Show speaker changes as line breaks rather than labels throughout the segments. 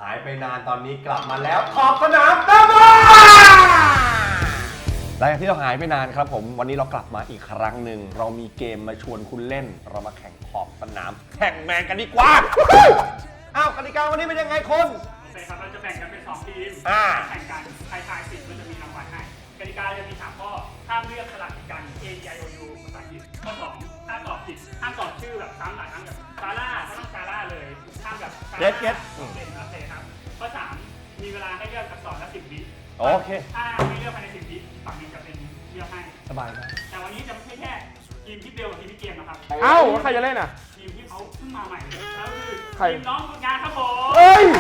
หายไปนานตอนนี้กลับมาแล้วขอบสนามตั้งมาหลังจากที่เราหายไปนานครับผมวันนี้เรากลับมาอีกครั้งหนึ่งเรามีเกมมาชวนคุณเล่นเรามาแข่งขอบสนามแข่งแมนกันดีกว่าอ้าวกติกาวันนี้เป็นยังไงคน
โอเคครับเราจะแบ่งกันเป็น2ทีมแข่งกันใครทายผิดก็จะมีรางวัลให้กติกาจะมี3ข้อห้ามเลือกสลับกัน A I O U ภาษาอังกฤษข้อ2ถ้าตอบผิดห้ามตอบชื่อแบบซ้ำหลายครั้งแบบซาร่าก็ต้องซาร่าเลยห้ามแบบ
เก็ต
โอเคครับข้อ3มีเวลาให้เลือกอักษรละ10 วิ
โอเค
ถ้าไม่เลือกภายใน10 วิฝั่งนึงจะเป็นเลือกให้
สบายครับ
แต่วันนี้จะไม่ใช่แค่ทีมที่เบลกับทีมพี่เกมนะครับ
เอ้าใครจะเล่นอ่ะ
ทีมที่เขาเพิ่งมาใหม่แล้วคือ
ใคร
ทีมน้องฝึกงานครับผม
เอ้ย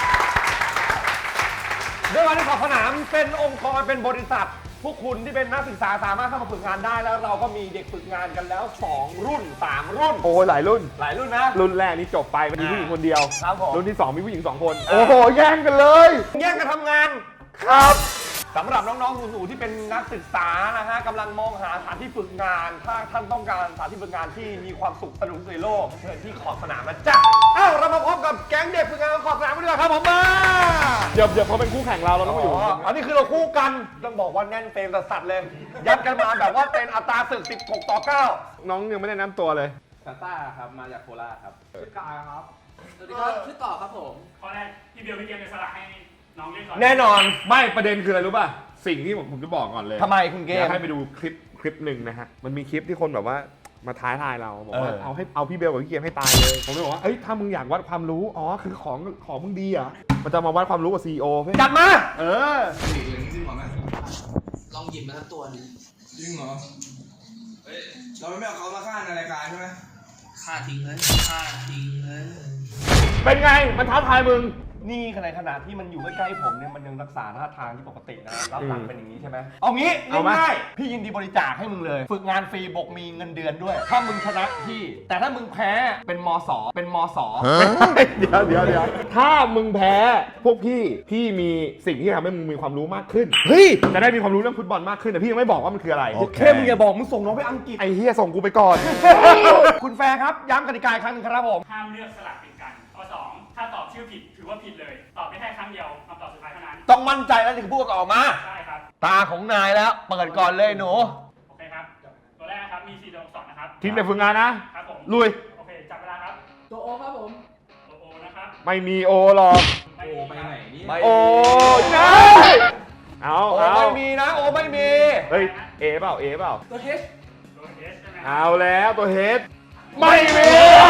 ด้วยการที่ขอบสนามเป็นองค์กรเป็นบริษัทพวกคุณที่เป็นนักศึกษาสามารถเข้ามาฝึกงานได้แล้วเราก็มีเด็กฝึกงานกันแล้ว2รุ่น3รุ่น
โอ้ยหลายรุ่น
นะ
รุ่นแรกนี่จบไปมีผู้หญิงคนเดียว
ครับผม
รุ่นที่2มีผู้หญิง2คนโอ้โหแย่งกันเลย
แย่งกันทำงาน
ครับ
สำหรับน้องๆหนูๆที่เป็นนักศึกษานะฮะกำลังมองหาสถานที่ฝึกงานถ้าท่านต้องการสถานที่ฝึกงานที่มีความสุขสนุกในโลกเชิญที่ขอบสนามนะจ๊ะอ้าวเรามาพบกับแก๊งเด็กฝึกงานขอบสนามกันดีกว่าครับผมมา
เดี๋ยวเขาเป็นคู่แข่งเราต้องมาอยู่
อันนี้คือเราคู่กันต้องบอกว่าแน่นเต็มสัสเลยยัดกันมาแบบว่าเป็นอัตราศึก16-9
น้องยังไม่ได้แนะนำตัวเลย
ซาต้าครับมาจากโคราชครับ
ชื่อกายครับ
สวัสดีครับชื่อต่อครับผม
ข้อแรกพี่เบลพี่เกมจะสละให้น้องเล่นก่อน
แน่นอน
ไม่ประเด็นคืออะไรรู้ป่ะสิ่งที่ผมจะบอกก่อนเลย
ทำไมคุณเกม
อยากให้ไปดูคลิปหนึ่งนะฮะมันมีคลิปที่คนแบบว่ามาท้าทายเราบอกว่าเอาพี่เบลกับพี่เกมให้ตายเลยผมเลยบอกว่าเอ้ยถ้ามึงอยากวัดความรู้อ๋อคือของมึงดีอ่ะมันจะมาวัดความรู้กับซีอีโอ
จัดมา
จริงเหรอแม่
ลองหยิบมาสักตัวนึง
จริงเหรอเฮ้ยเราไม่เอาเขามาฆ่าในรายการใช่ไหม
ฆ่าทิ้งเลยฆ่าทิ้งเลย
เป็นไงมันท้าทายมึง
นี่ในขณะที่มันอยู่ใกล้ๆผมเนี่ยมันยังรักษาท่าทางที่ปกตินะรับหลังเป็นอย่างนี้ใช่ไหมเอางี้ง่ายๆพี่ยินดีบริจาคให้มึงเลยฝึกงานฟรีบกมีเงินเดือนด้วยถ้ามึงชนะพี่แต่ถ้ามึงแพ้เป็นมส
เดี๋ยวถ้ามึงแพ้พวกพี่มีสิ่งที่ทำให้มึงมีความรู้มากขึ้น
เฮ้ย
จะได้มีความรู้เรื่องฟุตบอลมากขึ้นแต่พี่ยังไม่บอกว่ามันคืออะไร
โอเคมึงอย่าบอกมึงส่งน้องไปอังกฤษ
ไอ้เฮียส่งกูไปก่อน
คุณแฟร์ครับย้ำกติกาครั้งนึงครับผม
ห้ามเลือกสลับกันข้อ2ถ้าตอบชื่อผิดถือว่าผิดเลยตอบไม่ได้ครั้งเดียวคำตอบสุดท้ายเท่านั้น
ต้องมั่นใจแล้วถึงพูดออกมา
ใช่ครับ
ตาของนายแล้วเปิดก่อนเลยหนู
โอเคครับตัวแรกครับมี4ตัวอักษรนะครับ
ทีมเด็กฝึกงานนะครับผมลุย
โอเคจับเวลาครับ
ตัวโอครับผม
ตัวโอนะครับ
ไม่มีโอหรอก
โอไปไหนนี่
โอนะเอา
ไม่มีนะโอไม่มี
เฮ้ยเอเปล่า
ตัวเฮช
ใช่ไหม
เอาแล้วตัวเฮดไม่มี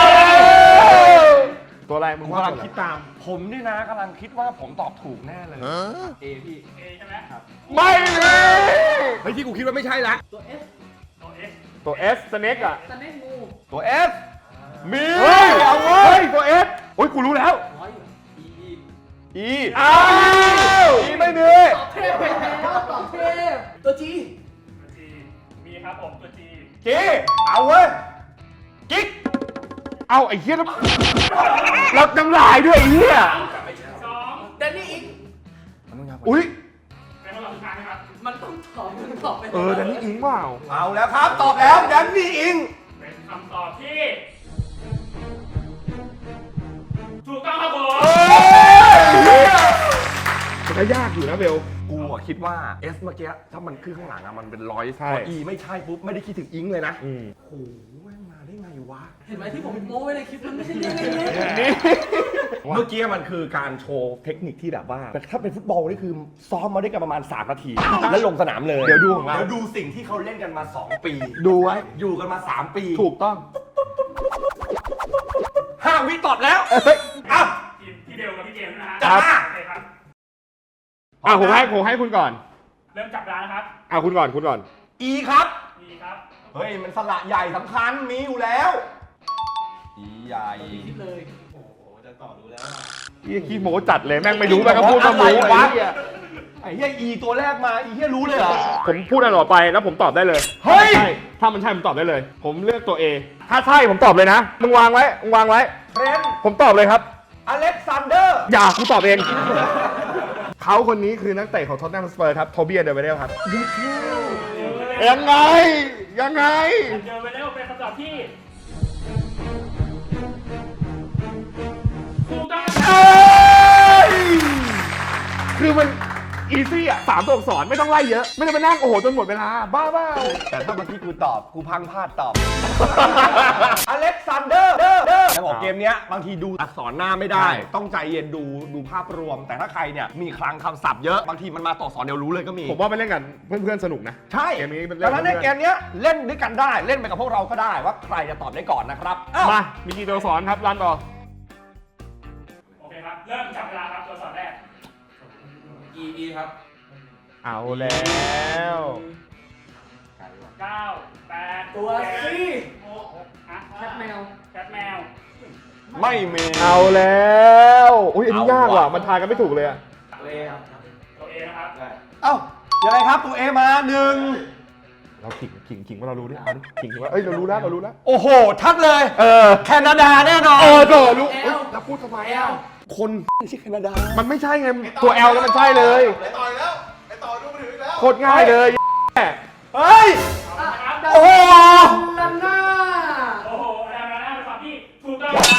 ตัวอะไรมึง
กำลังคิดตามผมนี่นะกำลังคิดว่าผมตอบถูกแน่เลย
เอพี่
เอใช่ไหมครับ
ไม่มี
เฮ้ยที่กูคิดว่าไม่ใช่ละ
ตัวเอส
ตัวเอสสเน็กอะ
สเน็กงู
ตัวเอสมี
เอาเว้ยตัวเอสโอ้ยกูรู้แล้ว
อี
อ้าวอีไม่มี
ตอบเทพไปแล้วตอบเทพตัวจี
มีครับผมตัวจี
เอาเว้ยกิ๊ก
เอาไอ้เหี้ยรับน้ำลายด้วยไอ้เหี้ย
2
แดนนี่อิง
อุ้ย
เป็นคำตอบสุดท้ายนะครับ
มันต้องตอบไป
แดนนี่อิงเปล่า
เอาแล้วครับตอบแล้วแดนนี่อิง
เป็นคำตอบที่ถูกต้องครับผม
มันก็ยากอยู่นะเบล
กูคิดว่า S เมื่อกี้ถ้ามันขึ้นข้างหลังอะมันเป็น100พอ E ไม่ใช่ปุ๊บไม่ได้คิดถึงอิงเลยนะโอ้โหแม่งมาได้ไงวะ
เห็นไหมที่ผมโม้ไว้ในคลิปมันไม่ใช่เรื่องเล็ก
เมื่อกี้มันคือการโชว์เทคนิคที่แบบว่าถ้าเป็นฟุตบอลนี่คือซ้อมมาได้กันประมาณ3 นาทีแล้วลงสนามเลย
เดี๋ยวดูของเรา
เดี๋ยวดูสิ่งที่เขาเล่นกันมา2 ปี
ดูไว้
อยู่กันมา3 ปี
ถูกต้อง
5 วิตอบแล้ว
อ้าวพี่เบลกับพี่เกมนะฮะ
ครับผมให้คุณก่อน
เริ่มจับเวลานะครับ
คุณก่อน
E ครับ
E ครับ
เฮ้ยมันสระใหญ่สำคัญมีอยู่แล้ว E ใหญ่
คิดเลย
โอ้โหจะต่อรู้แล้ว
ขี้โม้จัดเลยแม่งไม่รู้แม่งก็พูดมาหมูวะ
ไอ้เหี้ย E ตัวแรกมาE เหี้ยรู้เลยเหรอ
ผมพูดอะไรต่อไปแล้วผมตอบได้เลย
เฮ้ย
ถ้ามันใช่ผมตอบได้เลยผมเลือกตัว A ถ้าใช่ผมตอบเลยนะมึงวางไว้
เฟรน
ผมตอบเลยครับ
อเล็กซานเดอร์
อย่ากูตอบเองเขาคนนี้คือนักเตะของท็อตแนมสเปอร์ครับโทบี้เดอร์เวเดลครับยังไง
เดอร์เวเดลเป็นคำตอบที่ถูกต้อง
อีซี่อ่ะ3 ตัวอักษรไม่ต้องไล่เยอะ ไม่ต้องไปนั่งโอ้โหจนหมดเวลาบ้าเปล่า
แต่ถ้าเมื่อกี้กูตอบกูพังพลาดตอบ อเล็กซานเดอร์แล้วบอกเกมเนี้ยบางทีดูอักษรหน้าไม่ได้ ต้องใจเย็นดูภาพรวม แต่ถ้าใครเนี่ยมีคลังคำศัพท์เยอะบางทีมันมาต่อสอนเดียวรู้เลยก็มี
ผมว่าไปเล่นกันเพื่อนๆสนุกนะ
ใช่
เกมนี้มัน
ดังนั้นใน
เล่น
เกมเนี้ยเล่นด้วยกันได้เล่นไปกับพวกเราก็ได้ว่าใครจะตอบได้ก่อนนะครับอ้าว
มามีกี่ตัวอักษรครับรันต่อ
โอเคครับ เริ่มจับเวลาครับตัวสอนแรก
อีครับ
เอาแล้ว
9 8
ตัว C
ฮะ
แคทแมว
แคทแมว
ไม่มี
เอาแล้วอุ้ยอันนี้ยากว่ะมันทายกันไม่ถูกเลยอะ
ตัวเอครับ
ตัว A นะครับ
เอ้ายังไงครับตัวเอมาหนึ่ง
เราขิงว่าเรารู้ดิเอาดิขิงว่าเอ้ยเรารู้แล้ว
โอ้โหชัดเลย แคนาดาแน่นอน
โดรู้เอ้ยแล้วพูดทำไมอ่ะ
คนไม่ใช่แคนาดา
มันไม่ใช่ไงตัว L แล้วมันใช่เลย
ไปต่อยแล้วไปต่อดูมาถึงแล้ว
โคตรง่ายเลย
เฮ้ย
เอาละครับ
โอ้โห
ลันน่า
โอ้โหแล้วนะเป็นคำที่ถูกต้องครับ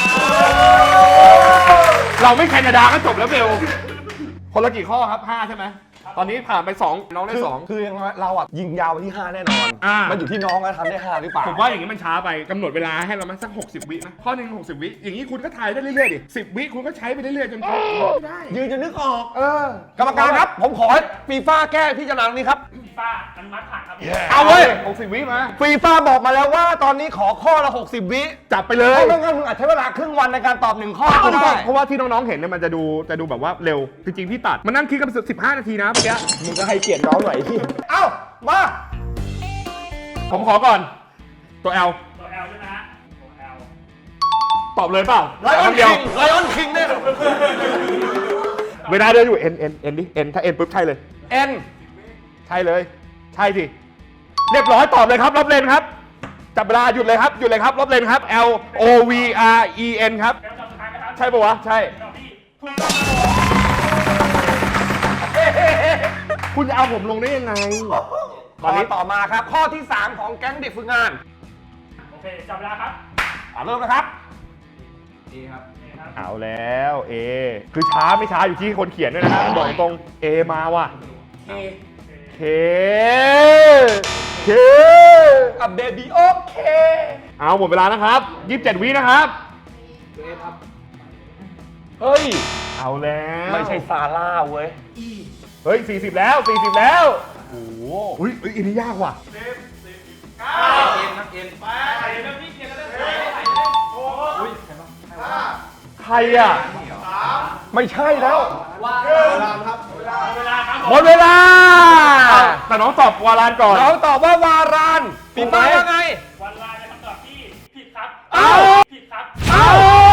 เราไม่แคนาดาก็จบแล้วเบลคนละกี่ข้อครับ5ใช่ไหมตอนนี้ผ่านไป2น้องได้2
คือยังไงเราอ่ะยิงยาวไปที่ 5 แน่นอน
อ่ามั
มันอยู่ที่น้องว่าทำได้ 5 หรือเปล่า
ผมว่าอย่างนี้มันช้าไปกำหนดเวลาให้เรามาสัก60 วินะข้อหนึ่ง60 วิอย่างนี้คุณก็ถ่ายได้เรื่อยๆดิ10 วิคุณก็ใช้ไปเรื่อยๆจนครบไม่ได้
ยืนจะนึกออก
ก
รรมการครับ ผมขอให้ฟีฟ่าแก้พิจารณานี้ครับ
ฟีฟ่าอนุมัติผ่านครับ
เอาเว้ย
60 วิมา
ฟีฟ่าบอกมาแล้วว่าตอนนี้ขอข้อละ 60 วิ
จับไปเล
เพ
ย
ราะไม่งั้นมึงอาจใช้เวลาครึ่งวันในการตอบ1 ข้อก็ได้
เพราะว่าที่น้องๆเห็นเนี่ยมันจะดูแบบว่าเร็วจริงๆพี่ตัดมันนั่งคิดกัน15 นาทีนะเมื่อกี้
มึงก็ให้เกียรติน้องหน่อยที่เอ้ามา
ผมขอก่อนตัว L
ตัว L ใช่ไหมฮะตัว L
ตอบเลยเปล่า
ไลออน
เดี
คิ
ยว
งไลออนคิงเนี่ย
เวลาเดินอยู่ N ดิ N ถ้า N ปุ๊บใช่เลย
เอ็น
ใช่เลย ใช่สิเรียบร้อยตอบเลยครับรอบเลนครับจับเวลาหยุดเลยครับรอบเลนครับ L O V R E N ครับ
แล้วคำสุดท้ายนะครับ
ใช่ปะวะใช่
คำที่ถูกต้องครับผม
คุณจะเอาผมลงได้ยังไง
ตอนนี้ต่อมาครับ ข้อที่ 3 ของแก๊งเด็กฝึกงาน
โอเคจับเวลาครับ
เริ่มนะครับ
อีครับ
นี่ครับ
เอาแล้ว A คือช้าไม่ช้าอยู่ที่คนเขียนด้วยนะฮะบอกตรง A มาว่ะ
เค
K K
กับเบบี้โอเค
เอาหมดเวลานะครับ27 วินะครับ
ตัวเอครับ
เฮ้ย
เอาแล้ว
ไม่ใช่ซาร่าเว้ย
อี
เฮ้ย40แล้วโอ้โหอุ้ยอันนี้ยากว่ะ
เอ็นครับเอ็น
ใครอ่ะ
ไม่ใช่แล้ว
ว่า
เวลาครับเวลา
เวลาครับ
หมดเวลาแต่น้องตอบวารานก่อน
เราตอบว่าวารานปีป้าว่าไง
วันลาเป็นคำตอบที่ผิดครับ
เอ้า
ผิดครับ
เอา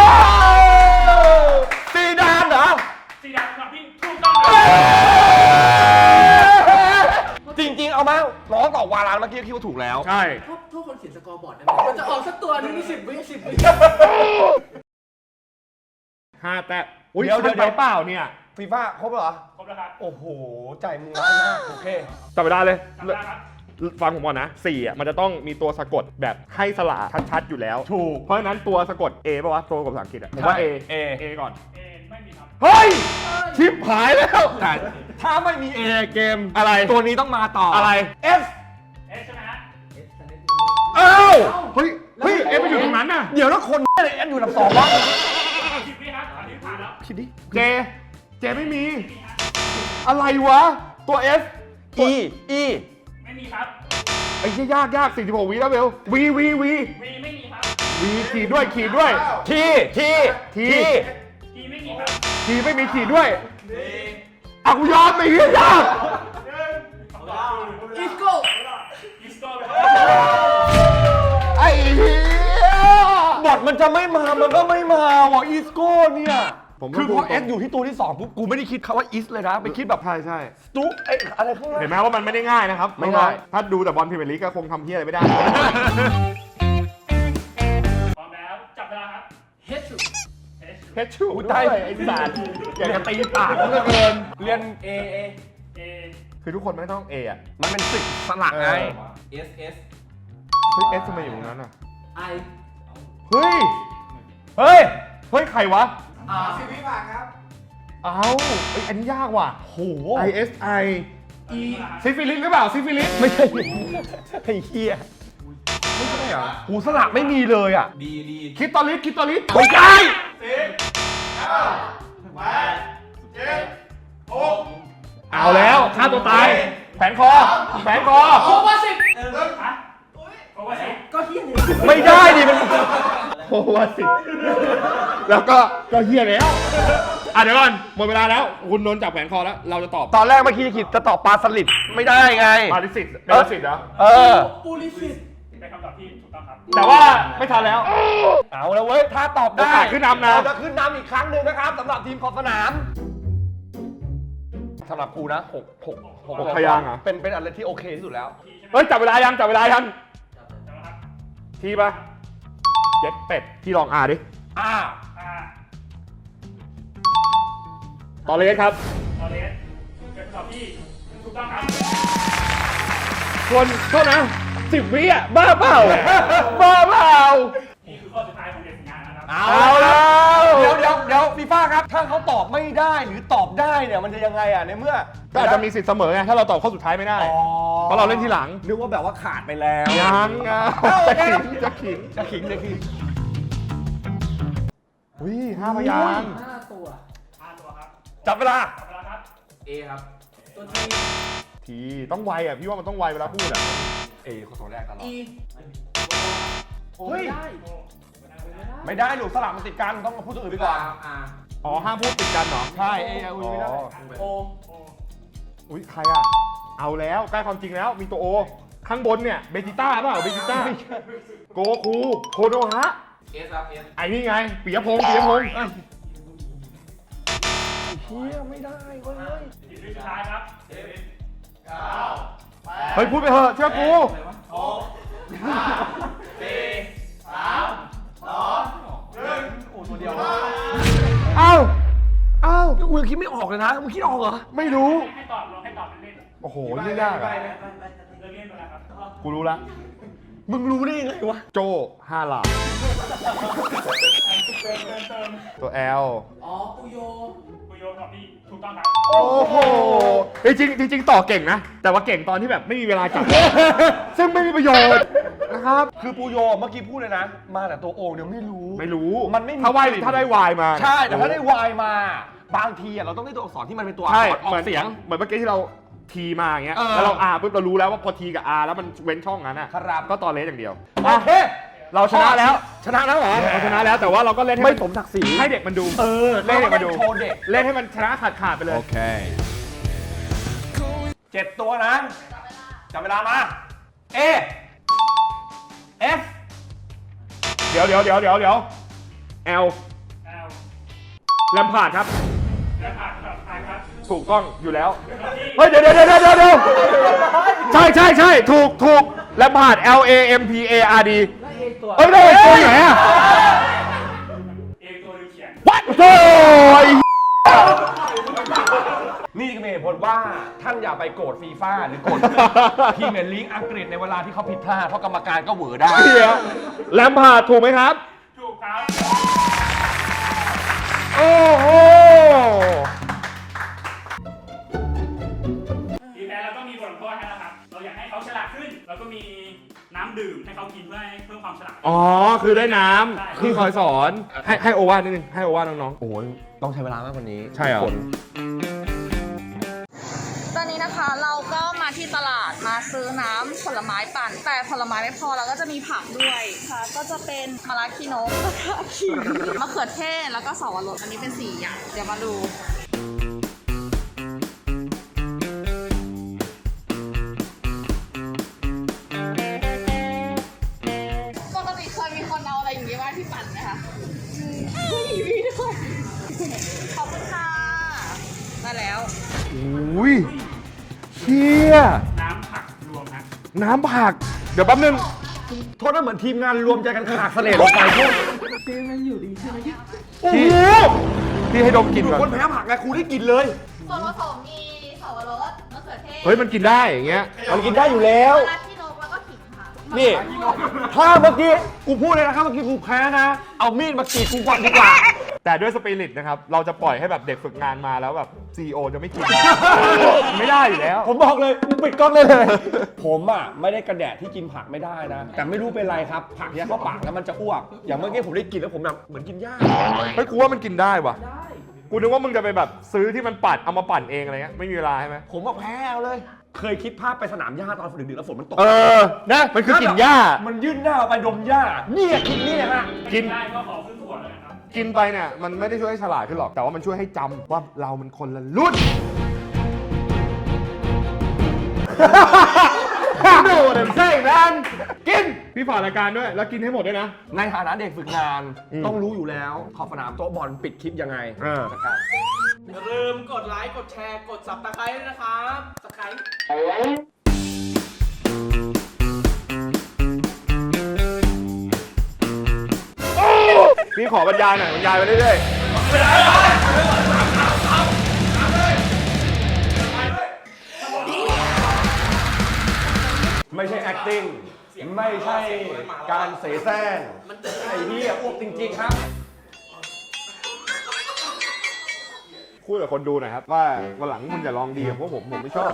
ซีดานเหรอ
สีดำเป็นคำที่ถูกต้องครับ
จริงๆ เอามาน้องตอบวารานเมื่อกี้คิดว่าถูกแล้ว
ใช่
โทษคนเขียนสกอร์บอร์ดได้ไหมมันจะออกสักตัวนึงนี่10 วิ
5 แต้มอุ้ย
เดี๋ยว
ทันไปเปล่าเนี่ย
ฟีฟ่าครบแล้วเหรอ
ครบแล้วครับ
โอ้โห ใจมึงร้ายมาก โอเค
จับเวลาเลย
จับเวลาครับ
ฟังผมก่อนนะ4อ่ะมันจะต้องมีตัวสะกดแบบให้สระชัดๆอยู่แล้ว
ถูก
เพราะฉะนั้นตัวสะกด A ป่ะวะตัวสะกดภาษาอังกฤษอ่ะผมว่า
ใช่
A
A
ก่อน
เอไม่มีครับ
เฮ้ย ชิปหายแล้ว
แต่ถ้าไม่มี A เกม
อะไร
ตัวนี้ต้องมาต่ออ
อะไร
S
เอใช่ไหมฮะ
อ้าว
เฮ้ยเอไปอยู่ตรงนั้นน่ะ
เดี๋ยวแล้วคนอะไร S อยู่อันดับ2วะ
10 วิครับอันนี้ผ่านแล้ว
คิดดิ เจไม่มี อะไรวะ ตัว S
E E
ไม่มีครับ
ไอ้เหี้ยยาก46 วิแล้วเบล V
วีไม่มีครับ
ขีดด้วย
T T
ทีไม่มีครับ
ขีดไม่มีขีดด้วยอ่ะกูยอมไปเหี้ยยาก
คำตอบคือ
อีโก้
อิสโก้ครับ
ไอ้เหี้ย
บอทมันจะไม่มา มันก็ไม่มาว่ะอีสโก้เนี่ย
ผมว่า
คือพอ
ถูก
S อยู่ที่ตัวที่2ปุ๊บ กูไม่ได้คิดคำว่า is เลยนะ ไปคิดแบบ
ใช่
ตุ๊กไอ้อะไรข้างล่าง
เห็นไหมว่ามันไม่ได้ง่ายนะครับ
ไม่ง่าย
ถ้าดูแต่บอลพรีเมียร์ลีกก็คงทำเหี้ยอะไรไม่ได้
พร้อมแล้วจับเวลาครับ
เฮชู
เพชรชูด้วยไอ้สัตว์อยากจะตีปากเหลือเกิน
เรียน
เอ
เอ
คือทุกคนไม่ต้อง A อ่ะ
มันเป็นสิ่งสลักไง
เอสเอส
เฮ้ย S ทำไมอยู่ตรงนั้นอ่ะ
ไอ
เฮ้ย
เฮ้ย
เฮ้ย ใครวะ
10 วิผ่านครับ
เอ้าเอ้ยอันนี้ยากว่ะ
โห
ISI ซิฟิลิสหรือเปล่าซิฟิลิส
ไม่ใช่ไอ้เหี้ย
ไม่ใช่เหรอ
หูสลักไม่มีเลยอ่ะ
ดีดี
คิดตอลิสคิดตอลิส
ไม่ใช่
เอาแล้วฆ่าตัวตายแผนคอแผนคอ
โควาสิบ
ฮะเพราะว่าสิ
ก็เฮียนี่
ไม่ได้ดิมัน
โควาสิแล้วก็เฮียแล้วเดี๋ยวก่อนหมดเวลาแล้วคุณโดนจับแผนคอแล้วเราจะตอบ
ตอนแรกเมื่อกี้คิดจะตอบปลาสลิดไม่ได้ไง
ปาริสิตเบลสิตเหรอ
เออ
ปูลิสิต
เป็นคำตอบที่ถูกต้องครับ
แต่ว่าไม่ทันแล้ว
เอาแล้วเว้ย ถ้าตอบได้
โอกาสขึ้นนำนะ
เราจะขึ้นนำอีกครั้งหนึ่งนะครับสำหรับทีมขอบสนามสำหรับกูนะหก
พยางค์เหรอ
เป็นอะไรที่โอเคที่สุดแล้ว
เฮ้ยจับเวลายังจับเวลายัง
จำนะครับ
ทีปะเย็ดเป็ดที่ลองดิ
อ่า
ตอเลสครับ
ตอนเลสเป็นคำตอบที่ถูกต้องครับ
ส่วนโทษนะ10 วิอ่ะบ้าเปล่าบ้าเปล่า
นี่คือข้อสุดท้ายของเด็กฝึกงานนะครับ
เอาแล้ว
เดี๋ยวฟีฟ่าครับ ถ้าเขาตอบไม่ได้หรือตอบได้เนี่ยมันจะยังไงอ่ะในเมื่อ
ก็อาจจะมีสิทธิ์เสมอไงถ้าเราตอบข้อสุดท้ายไม่ได้
อ๋อ
เพราะเราเล่นทีหลัง
นึกว่าแบบว่าขาดไปแล้ว
ยังอ่ะจะขิง
จะขิง
อุ้ย5 พยางค์
5 ตัว
5 ตัวครับ
จับเวลา
เอาละครับ
เอครับ
ตัวที
ทีต้องไวอ่ะพี่ว่ามันต้องไวเวลาพูดอ่ะ
ข้อสองแรกตลอด
อี
เฮ้ย
ได้
ไม่ได้หนูสลับมันติดกันต้องพูดตัวอื่นไปก่อน
อ๋อห้ามพูดติดกันเหรอ
ใช่ไม่ได้
โอ
อุ้ยใครอ่ะเอาแล้วใกล้ความจริงแล้วมีตัวโอข้างบนเนี่ยเบจิต้าเปล่าเบจิต้าโกคูโคโนฮะ
เอสครับเอส
ไอ้นี่ไงปิยพงษ์ปิยพงษ์
เฮียไม่ได้เว้ย
ทีมสุดท้ายครับ
เฮ้ยพูดไปเถอะเชื่อกู
โอ้ตัวเดียว
เอ้าเอ้า
กูยังคิดไม่ออกเลยนะมึงคิดออกเหรอ
ไม่รู้
ให้ตอบลองให้ตอบเล่น
โอ้โหยิ่งยากอ่ะ
ๆเล่นๆไปแล้วครับ
กูรู้ละ
มึงรู้ได้ยังไงวะ
โจ5 หลา
เติม
ตัว L
อ๋อปูโย
คุยโยตอบที่ถูกต้องครับ
โอ้โหจริงต่อเก่งนะ แต่ว่าเก่งตอนที่แบบไม่มีเวลาจับ ซึ่งไม่มีประโยชน์นะครับ
คือปูโยเมื่อกี้พูดเลยนะ มาแต่ตัวโอ่งเนี่ยไม่รู้
ไม่รู้
มันไม่มี
ถ้าได้วายมา
ใช่แต่ถ้าได้วายมาบางทีอะเราต้องได้ตัวอักษรที่มันเป็นตัวอัก
ใช่
ษรออกเสียง
เหมือนเมื่อกี้ที่เราทีมาอย่างเงี้ย
เออ
แล้วเรา R ปุ๊บเรารู้แล้วว่าพอทีกับ R แล้วมันเว้นช่องนั้นอ่ะ
ครับ
ก็ตอเลสอย่างเดียว
โอเค
เราชนะแล้ว
ชนะแล้วเหรอ
เราชนะแล้วแต่ว่าเราก็เล่นให้
ไม่สมศักดิ์ศรี
ให้เด็กมันดู
เล่น
ให้เด็กมันดู
โชว์เด็ก
เล่นให้มันชนะขาดไปเลย
7 ตัวนะจับเวลามา A F
เดี๋ยว L แลมพาร์ดครับ
และผ่านแบบท้ายครับ
ถูกต้องอยู่แล้ว
ที่
เฮ้ยเดี๋ยวใช่ถูกแลมพาร์ด L A M P A R D
แล้วเอตัว
เอ้ยได้ตัวไหนอ่ะ
เองตัวหนึงเขียน
What โอ้ย
นี่ก็เป็นเหตุผลว่าท่านอย่าไปโกรธฟีฟ่าหรือโกรธพรีเมียร์ลีกอังกฤษในเวลาที่เขาผิดพลาดเพราะกรรมการก็เหวอได้
เดี๋ยวแลมพาร์ดถูกไหมครับ
ถูกครับ
โอ้โห
ทีมแพ้เราก็มีบทลงโทษให้แล้วครับ เราอยากให้เขาฉลาดขึ้น แล้วก็มีน้ำดื่มให้เขากินเพื่อให้เพิ่มความฉลาด
อ๋อ คือได้น้
ใช่
ำที่คอยสอน ให้โอวาทนิดนึง ให้โอวาทน้อง
โอ้ยต้องใช้เวลามากกว่านี้
ใช่เหรอ
ทุกคน
ตอนนี้นะคะเราก็มาที่ตลาดมาซื้อน้ำผลไม้ปั่น แต่ผลไม้ไม่พอเราก็จะมีผักด้วยค่ะก็จะเป็นมะระขี้นกมะระขิงมะเขือเทศแล้วก็สวรสอันนี้เป็น4อย่างเดี๋ยวมาดูปกติเคยมีคนเอาอะไรอย่างนี้มาที่ปั่นไหมคะมีด้วยขอบคุณค่ะได้แล้ว
อุ้ยเชี่ย
น้ำผักรวมนะ
น้ำผัก เดี๋ยวแป๊บนึง
โทษนะเหมือนทีมงานรวมใจกันขากเสลดลงไปพวก
โอ้โหพี่ให้ดมกลิ่น
อยู่
ก่อน
คนแพ้ผักไงครูได้กินเลย
ส่วนผสมมีสวรสมะเขือเทศ
เฮ้ย มันกินได้อย่างเงี้ย
มันกินได้อยู่แล้ว
มะระขี้นกแล้วก็ขิงค่ะ
นี่ ถ้าเมื่อกี้กูพูดเลยนะครับเมื่อกี้กูแพ้นะ เอามีดมากรีดกูก่อนดีกว่า
แต่ด้วยสปิริตนะครับ เราจะปล่อยให้แบบเด็กฝึกงานมาแล้วแบบ CEO จะไม่กิน ไม่ได้อยู่แล้ว
ผมบอกเลยมึงปิดกล้องได้เลย ผมอ่ะไม่ได้กระแดะที่กินผักไม่ได้นะ แต่ไม่รู้เป็นไรครับ ผักเนี้ยเข้าปากแล้วมันจะอ้วก อย่างเมื่อกี้ผมได้กินแล้วผมแบบเหมือนกินหญ้า
เฮ้ยกูว่ามันกินได้ว่ะ
ได้
กูนึกว่ามึงจะไปแบบซื้อที่มันปั่นเอามาปั่นเองอะไรเงี้ยไม่มีเวลาใช่ไหม
ผมว่าแพ้เอาเลย เคยคิดภาพไปสนามหญ้าตอนฝนดึกๆแล้วฝนมันตก
นะมันคือกินหญ้า
มันยื่นหน้าออกไปดมหญ้าเนี่ยคิดนี่ฮะ
กิน
ได้ก็ขอขึ้นขวดเลยนะครับ
กินไปเนี่ยมันไม่ได้ช่วยให้ฉลาดขึ้นหรอก แต่ว่ามันช่วยให้จำว่าเรามันคนละรุ่น โน่เดมเซ่แมนกิน พี่ฝากรายการด้วย แล้วกินให้หมดด้วยนะ
ในฐานะเด็กฝึกงาน
อืม
ต้องรู้อยู่แล้ว ขอบสนามโต๊ะบอลปิดคลิปยังไง จัดการ
อย่าลืมกดไลค์ กดแชร์ กด subscribe ด้วยนะครับสไครต์
พี่ขอบรรยายหน่อยบรรยายไปเรื่อย
ไม่ใช่ acting ไม่ใช่การเสแสร้งไอ้เหี้ยอ้วกจริงๆครับ
ๆพูดกับคนดูหน่อยครับว่าวันหลังคุณอย่าลองดีกับพวกผมไม่ชอบ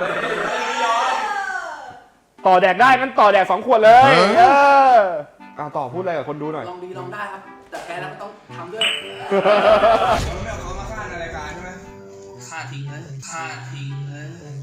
ต่อแดกได้งั้นต่อแดก2 ขวดเลยต่อพูดอะไรกับคนดูหน่อย
ลองดีลองได้ครับ แต่แพ้แล้วก็ต้องทำด้วย
เราไม่เอาเขามาฆ่าในรายการใช่ไหมฆ่าทิ้งเลยฆ่าทิ้งเลย